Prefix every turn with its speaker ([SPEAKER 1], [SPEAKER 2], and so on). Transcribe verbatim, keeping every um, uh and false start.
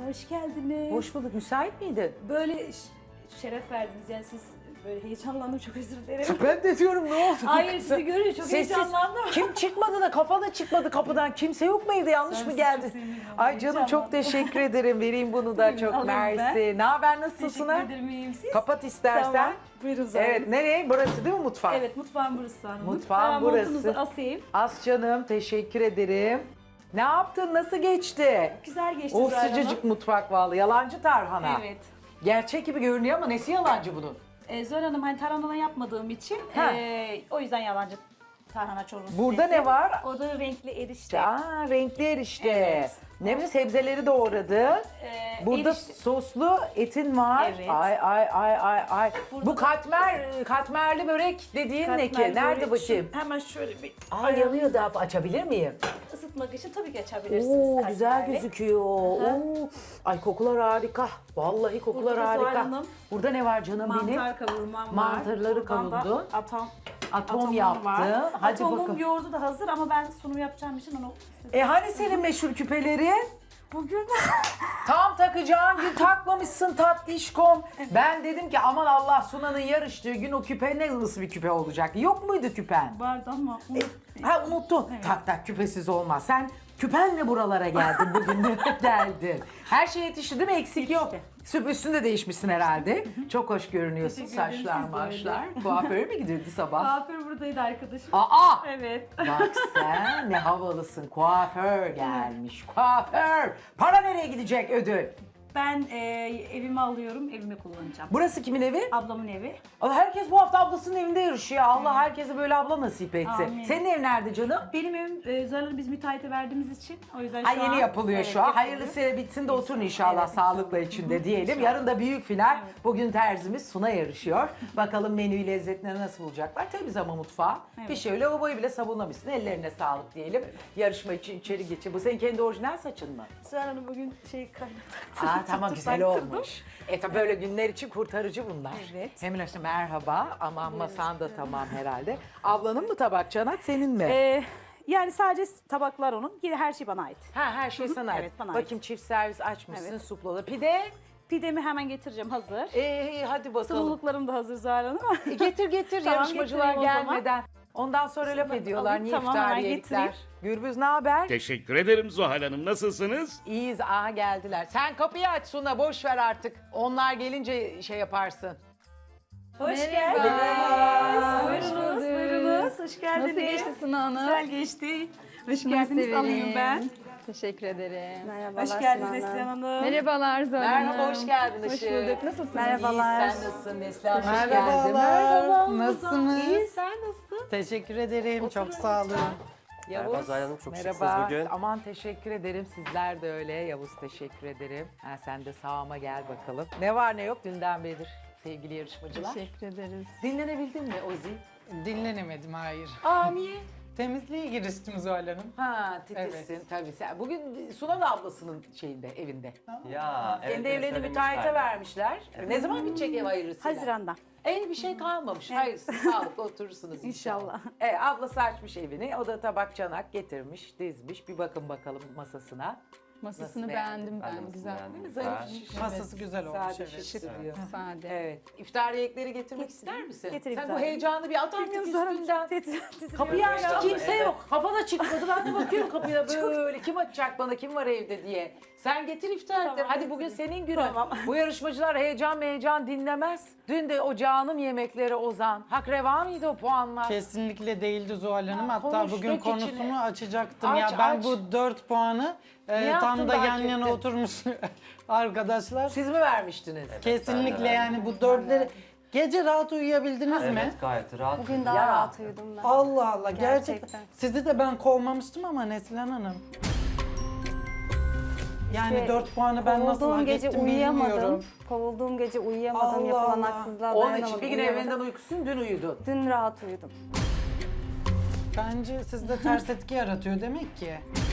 [SPEAKER 1] hoş geldiniz.
[SPEAKER 2] Hoş bulduk. Müsait miydin?
[SPEAKER 1] Böyle ş- şeref verdiniz yani siz böyle heyecanlandım çok özür dilerim.
[SPEAKER 2] Ben de diyorum ne oldu?
[SPEAKER 1] Hayır sizi görünce çok
[SPEAKER 2] Sessiz.
[SPEAKER 1] heyecanlandım.
[SPEAKER 2] Kim çıkmadı da kafa da çıkmadı kapıdan. Kimse yok mu evde? Yanlış
[SPEAKER 1] Sen
[SPEAKER 2] mı
[SPEAKER 1] siz
[SPEAKER 2] geldi?
[SPEAKER 1] çok sevindim.
[SPEAKER 2] Ay canım çok
[SPEAKER 1] Heyecanlandım.
[SPEAKER 2] teşekkür ederim. Vereyim bunu da
[SPEAKER 1] Buyurun,
[SPEAKER 2] çok
[SPEAKER 1] alayım ben.
[SPEAKER 2] mersi. Ne haber nasılsın?
[SPEAKER 1] Teşekkür
[SPEAKER 2] ha?
[SPEAKER 1] ederim iyiyim siz.
[SPEAKER 2] Kapat istersen.
[SPEAKER 1] Tamam. Buyurun zaten.
[SPEAKER 2] Evet nereye? Burası değil mi mutfak?
[SPEAKER 1] Evet mutfağım burası hanım.
[SPEAKER 2] Mutfağım
[SPEAKER 1] Hemen
[SPEAKER 2] burası.
[SPEAKER 1] montunuzu asayım.
[SPEAKER 2] As canım teşekkür ederim. Ne yaptın? Nasıl geçti?
[SPEAKER 1] Güzel geçti
[SPEAKER 2] O
[SPEAKER 1] Zuhal
[SPEAKER 2] sıcacık
[SPEAKER 1] Hanım.
[SPEAKER 2] mutfak vallahi. Yalancı tarhana.
[SPEAKER 1] Evet.
[SPEAKER 2] Gerçek gibi görünüyor ama nesi yalancı bunun?
[SPEAKER 1] Ee, Zuhal Hanım hani tarhana yapmadığım için
[SPEAKER 2] Ha.
[SPEAKER 1] ee, o yüzden yalancı tarhana çorbası
[SPEAKER 2] Burada
[SPEAKER 1] dedim.
[SPEAKER 2] ne var?
[SPEAKER 1] Orada renkli erişte.
[SPEAKER 2] Aa renkli erişte.
[SPEAKER 1] Evet.
[SPEAKER 2] Ne bileyim sebzeleri doğradı.
[SPEAKER 1] Ee,
[SPEAKER 2] Burada
[SPEAKER 1] erişte-
[SPEAKER 2] soslu etin var.
[SPEAKER 1] Evet.
[SPEAKER 2] Ay ay ay ay ay.
[SPEAKER 1] Burada
[SPEAKER 2] Bu
[SPEAKER 1] da-
[SPEAKER 2] katmer katmerli börek dediğin ne ki?
[SPEAKER 1] katmer
[SPEAKER 2] Nerede
[SPEAKER 1] börek.
[SPEAKER 2] bakayım?
[SPEAKER 1] Şu- Hemen şöyle bir
[SPEAKER 2] Aa yanıyor da açabilir miyim?
[SPEAKER 1] ısıtmak için tabii ki açabilirsiniz.
[SPEAKER 2] Oo güzel
[SPEAKER 1] katmerli.
[SPEAKER 2] gözüküyor. Oo. Ay kokular harika. Vallahi kokular
[SPEAKER 1] Burada da Zuhal
[SPEAKER 2] harika.
[SPEAKER 1] Hanım,
[SPEAKER 2] Burada ne var canım benim?
[SPEAKER 1] Mantar kavurmam var.
[SPEAKER 2] Mantarları
[SPEAKER 1] Buradan da
[SPEAKER 2] kavurdun.
[SPEAKER 1] Atom,
[SPEAKER 2] Atom
[SPEAKER 1] atomum
[SPEAKER 2] yaptı.
[SPEAKER 1] var.
[SPEAKER 2] Hadi
[SPEAKER 1] Atomum
[SPEAKER 2] bakalım.
[SPEAKER 1] yoğurdu da hazır ama ben sunum yapacağım için onu
[SPEAKER 2] E hani senin meşhur küpeleri?
[SPEAKER 1] bugün
[SPEAKER 2] Tam takacağın gün takmamışsın tatlışkom. Ben dedim ki aman Allah Sunan'ın yarıştığı gün o küpe ne nasıl bir küpe olacak? Yok muydu küpen?
[SPEAKER 1] vardı ama
[SPEAKER 2] E,
[SPEAKER 1] unut-
[SPEAKER 2] ha unuttun. Tak tak küpesiz olmaz. Sen küpenle buralara geldin bugün de geldin. Her şey yetişti değil mi? Eksik yok. Süp üstünde değişmişsin herhalde. Çok hoş görünüyorsun.
[SPEAKER 1] Teşekkür ederim,
[SPEAKER 2] Saçlar
[SPEAKER 1] siz de
[SPEAKER 2] maçlar. Kuaföre mi gidiyordu sabah?
[SPEAKER 1] kuaför buradaydı arkadaşım.
[SPEAKER 2] Aa!
[SPEAKER 1] Evet.
[SPEAKER 2] Bak sen ne havalısın. Kuaför gelmiş. Kuaför. Para nereye gidecek ödül?
[SPEAKER 1] Ben e, evime alıyorum, evime kullanacağım.
[SPEAKER 2] Burası kimin evi?
[SPEAKER 1] Ablamın evi.
[SPEAKER 2] Allah herkes bu hafta ablasının evinde yarışıyor. Allah herkese böyle abla nasip etsin.
[SPEAKER 1] Amin.
[SPEAKER 2] Senin ev nerede canım?
[SPEAKER 1] Benim evim e, Zuhal biz müteahhite verdiğimiz için o yüzden şu
[SPEAKER 2] Ha yeni
[SPEAKER 1] an...
[SPEAKER 2] yapılıyor
[SPEAKER 1] Evet,
[SPEAKER 2] şu an.
[SPEAKER 1] yapılıyor.
[SPEAKER 2] Hayırlısı bitsin de oturun inşallah
[SPEAKER 1] Evet,
[SPEAKER 2] sağlıkla
[SPEAKER 1] inşallah.
[SPEAKER 2] içinde diyelim. Yarın da büyük final. Bugün terzimiz Suna yarışıyor. Bakalım menüyü lezzetlerini nasıl bulacaklar. Temiz ama mutfağı.
[SPEAKER 1] Evet.
[SPEAKER 2] Bir şöyle lavaboyu bile savunamışsın. Ellerine sağlık diyelim. Yarışma için içeri geçin. Bu senin kendi orijinal saçın mı?
[SPEAKER 1] Zuhal Hanım bugün şey kaynattı.
[SPEAKER 2] Aa tamam güzel olmuş. E tabi böyle günler için kurtarıcı bunlar.
[SPEAKER 1] Evet.
[SPEAKER 2] Hemen işte merhaba. Aman masan da tamam herhalde. Ablanın mı tabak Canat senin mi?
[SPEAKER 1] Ee, yani sadece tabaklar onun, yine her şey bana ait.
[SPEAKER 2] ha her şey sana ait.
[SPEAKER 1] Evet, bana ait.
[SPEAKER 2] Bakayım çift servis açmışsın
[SPEAKER 1] Evet.
[SPEAKER 2] suplalı. Pide.
[SPEAKER 1] Pidemi hemen getireceğim hazır.
[SPEAKER 2] Ee, hadi bakalım.
[SPEAKER 1] Sunumluklarım da hazır Zuhal Hanım.
[SPEAKER 2] E, getir getir
[SPEAKER 1] Tamam,
[SPEAKER 2] yarışmacılar
[SPEAKER 1] getireyim o zaman.
[SPEAKER 2] gelmeden. Ondan sonra laf
[SPEAKER 1] Şunları
[SPEAKER 2] ediyorlar.
[SPEAKER 1] alayım,
[SPEAKER 2] Niye
[SPEAKER 1] tamam,
[SPEAKER 2] iftar
[SPEAKER 1] hemen
[SPEAKER 2] yedikler?
[SPEAKER 1] getireyim.
[SPEAKER 2] Gürbüz ne haber?
[SPEAKER 3] Teşekkür ederim Zuhal Hanım. Nasılsınız?
[SPEAKER 2] İyiyiz. Aa geldiler. Sen kapıyı aç Suna boş ver artık. Onlar gelince şey yaparsın.
[SPEAKER 1] Hoş
[SPEAKER 4] Merhaba.
[SPEAKER 1] geldiniz.
[SPEAKER 4] Hoş
[SPEAKER 1] Buyurunuz,
[SPEAKER 4] bulduk.
[SPEAKER 1] buyurunuz. Hoş geldiniz.
[SPEAKER 4] Nasıl geçti Suna Hanım?
[SPEAKER 1] Güzel geçti. Hoş
[SPEAKER 4] Nasıl
[SPEAKER 1] geldiniz.
[SPEAKER 4] vereyim?
[SPEAKER 1] Alayım ben.
[SPEAKER 4] Teşekkür ederim.
[SPEAKER 5] Merhabalar
[SPEAKER 1] Hoş geldiniz
[SPEAKER 5] Sinan
[SPEAKER 1] Neslihan
[SPEAKER 5] Hanım.
[SPEAKER 1] Hanım.
[SPEAKER 4] Merhabalar Zuhal Hanım.
[SPEAKER 2] Merhaba hoş geldin
[SPEAKER 4] Hoş
[SPEAKER 2] Işık.
[SPEAKER 4] bulduk. Nasılsınız?
[SPEAKER 5] Merhabalar.
[SPEAKER 2] İyi, sen nasılsın Neslihan? Hoş
[SPEAKER 6] Merhabalar.
[SPEAKER 2] geldin. Merhaba.
[SPEAKER 6] Nasılsınız?
[SPEAKER 2] İyi sen nasılsın?
[SPEAKER 6] Teşekkür ederim. Çok sağ olun.
[SPEAKER 2] Yavuz.
[SPEAKER 7] Merhaba Zuhal Hanım, çok şıksınız
[SPEAKER 2] Merhaba.
[SPEAKER 7] bugün.
[SPEAKER 2] Aman teşekkür ederim. Sizler de öyle. Yavuz teşekkür ederim. Ha, sen de sağıma gel bakalım. Ne var ne yok dünden beridir sevgili yarışmacılar.
[SPEAKER 4] Teşekkür ederiz.
[SPEAKER 2] Dinlenebildin mi Ozi?
[SPEAKER 6] Dinlenemedim, hayır.
[SPEAKER 2] Aa niye?
[SPEAKER 6] Temizliğe giriştim Zuhal Hanım.
[SPEAKER 2] Ha titizsin tabii sen. Bugün Suna da ablasının şeyinde evinde.
[SPEAKER 7] Ya evet.
[SPEAKER 2] Kendi
[SPEAKER 7] evet,
[SPEAKER 2] evlerini
[SPEAKER 7] söylemişlerdi.
[SPEAKER 2] müteahhite vermişler. Ne zaman bitecek ev hayırlısıyla?
[SPEAKER 1] Haziran'da.
[SPEAKER 2] En bir şey kalmamış. Hayırsız sağlıklı oturursunuz inşallah.
[SPEAKER 1] İnşallah.
[SPEAKER 2] Evet, ablası açmış evini. O da tabak çanak getirmiş, dizmiş. Bir bakın bakalım masasına.
[SPEAKER 4] Masasını
[SPEAKER 2] Nasıl
[SPEAKER 4] beğendim
[SPEAKER 7] Ben
[SPEAKER 4] ben.
[SPEAKER 7] de
[SPEAKER 4] Güzel.
[SPEAKER 7] beğendim.
[SPEAKER 2] Zarif
[SPEAKER 7] Güzel.
[SPEAKER 2] şiş.
[SPEAKER 6] Masası güzel olmuş,
[SPEAKER 2] Sade
[SPEAKER 6] evet.
[SPEAKER 2] şık duruyor.
[SPEAKER 4] Sade.
[SPEAKER 2] Evet. İftar yiyecekleri getirmek
[SPEAKER 1] Getireyim.
[SPEAKER 2] ister misin?
[SPEAKER 1] Getireyim
[SPEAKER 2] Sen bu
[SPEAKER 1] zaten.
[SPEAKER 2] heyecanı bir at artık üstünden.
[SPEAKER 1] Kapıyı
[SPEAKER 2] Kapıyı açtı kimse
[SPEAKER 7] Evet.
[SPEAKER 2] yok. Kafa da çıkmadı. Ben de bakıyorum kapıya böyle. Kim açacak bana kim var evde diye. Sen getir iftar
[SPEAKER 1] Tamam,
[SPEAKER 2] etleri. Hadi bugün
[SPEAKER 1] getireyim.
[SPEAKER 2] senin günün.
[SPEAKER 1] Tamam.
[SPEAKER 2] Bu yarışmacılar heyecan heyecan dinlemez. Dün de o canım yemekleri Ozan. Hak reva mıydı o puanlar?
[SPEAKER 6] Kesinlikle değildi Zuhal Hanım.
[SPEAKER 2] Ha,
[SPEAKER 6] Hatta
[SPEAKER 2] konuştuk
[SPEAKER 6] bugün
[SPEAKER 2] içine.
[SPEAKER 6] konusunu açacaktım.
[SPEAKER 2] Aç,
[SPEAKER 6] ya ben
[SPEAKER 2] aç.
[SPEAKER 6] bu dört puanı e,
[SPEAKER 2] Ne yaptın
[SPEAKER 6] tam da
[SPEAKER 2] da
[SPEAKER 6] yan
[SPEAKER 2] hak
[SPEAKER 6] yana
[SPEAKER 2] ettin?
[SPEAKER 6] oturmuş arkadaşlar.
[SPEAKER 2] Siz mi vermiştiniz?
[SPEAKER 6] Kesinlikle yani bu dörtleri... Gece rahat uyuyabildiniz mi?
[SPEAKER 7] Evet gayet rahat.
[SPEAKER 5] Bugün daha
[SPEAKER 2] Ya.
[SPEAKER 5] rahat uyudum ben.
[SPEAKER 6] Allah Allah gerçekten.
[SPEAKER 5] Gerçekten.
[SPEAKER 6] Sizi de ben kovmamıştım ama Neslihan Hanım. Yani
[SPEAKER 5] İşte
[SPEAKER 6] dört puanı ben nasıl
[SPEAKER 5] Kovulduğum
[SPEAKER 6] hak
[SPEAKER 5] gece
[SPEAKER 6] ettim
[SPEAKER 5] uyuyamadım.
[SPEAKER 6] bilmiyorum.
[SPEAKER 5] Kovulduğum gece uyuyamadım.
[SPEAKER 6] Allah
[SPEAKER 5] Yapılan
[SPEAKER 6] Allah.
[SPEAKER 5] haksızlığa
[SPEAKER 2] Onun
[SPEAKER 5] dayanamadım.
[SPEAKER 2] için bir gün
[SPEAKER 5] uyuyamadım.
[SPEAKER 2] evinden uykusun dün uyudun.
[SPEAKER 5] Dün rahat uyudum.
[SPEAKER 6] Bence sizde ters etki yaratıyor demek ki.